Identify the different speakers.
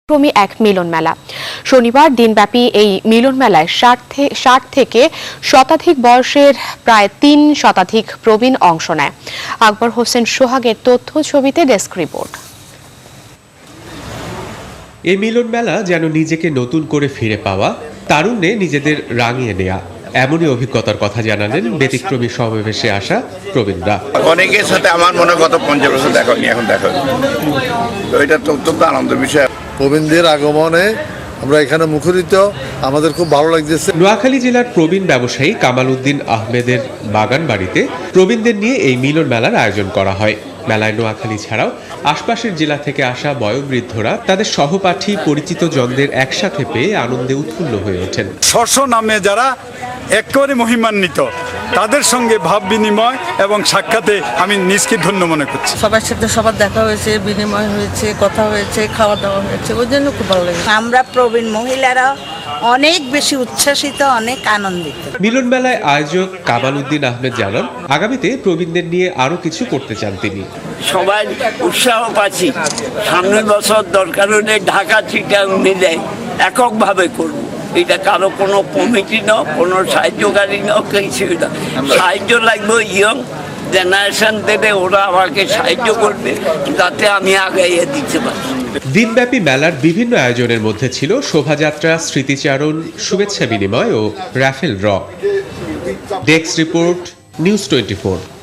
Speaker 1: ক্রমী এক মিলন মেলা। শনিবার দিনব্যাপী এই মিলন মেলায় 60 থেকে শতাধিক বয়সের প্রায় 3 শতাধিক প্রবীণ অংশ নেয়। আকবর হোসেন সোহাগের তথ্য ছবিতে ডেস্ক রিপোর্ট।
Speaker 2: এই মিলন মেলা যেন নিজেকে নতুন করে ফিরে পাওয়া, তারুণ্যে নিজেদের রাঙিয়ে নেয়া, এমনই অভিজ্ঞতার কথা জানালেন ব্যতিক্রমী সমাবেশে আসা প্রবীণরা।
Speaker 3: অনেকের সাথে আমার মনে গত 50 বছর দেখা হয়নি, এখন দেখা হচ্ছে, তো এটা তো অত্যন্ত আনন্দের বিষয়।
Speaker 4: প্রবীণদের আগমনে আমরা এখানে মুখরিত, আমাদের খুব ভালো লাগছে।
Speaker 2: নোয়াখালী জেলার প্রবীণ ব্যবসায়ী কামাল উদ্দিন আহমেদের বাগান বাড়িতে প্রবীণদের নিয়ে এই মিলন মেলার আয়োজন করা হয়। মেলায় নোয়াখালী ছাড়াও আশপাশের জেলা থেকে আসা বয়োবৃদ্ধরা তাদের সহপাঠী পরিচিত জনদের একসাথে পেয়ে আনন্দে উৎফুল্ল হয়ে ওঠেন।
Speaker 5: স্ব নামে যারা একেবারে মহিমান্বিত, তাদের সঙ্গে ভাব বিনিময় এবং সাক্ষাতে আমি নিজকে ধন্য মনে করছি।
Speaker 6: সবার সাথে সবার দেখা হয়েছে, বিনিময় হয়েছে, কথা হয়েছে, খাওয়া দাওয়া হয়েছে, ওই জন্য খুব ভালো লাগে।
Speaker 7: আমরা প্রবীণ মহিলারা অনেক বেশি উচ্ছ্বাসিত, অনেক আনন্দিত।
Speaker 2: মিলন মেলায় আয়োজক কামাল উদ্দিন আহমেদ জানান, আগামীতে প্রবীণদের নিয়ে আরো কিছু করতে চান তিনি।
Speaker 8: সবাই উৎসাহ পাচ্ছি, সামনের বছর দরকার হলে ঢাকা চিটাগাং মিলে এককভাবে করব। এটা কারো কোনো কমিটি না, কোনো সাহায্যকারী না, কিছুই না। সাহায্য লাগবে ইয়ং জেনারেশন থেকে, ওরা আমাকে সাহায্য করবে যাতে আমি আগাইয়ে দিতে পারি।
Speaker 2: দিনব্যাপী মেলার বিভিন্ন আয়োজনের মধ্যে ছিল শোভাযাত্রা, স্মৃতিচারণ, শুভেচ্ছা বিনিময় ও raffle draw. Desk report, news 24।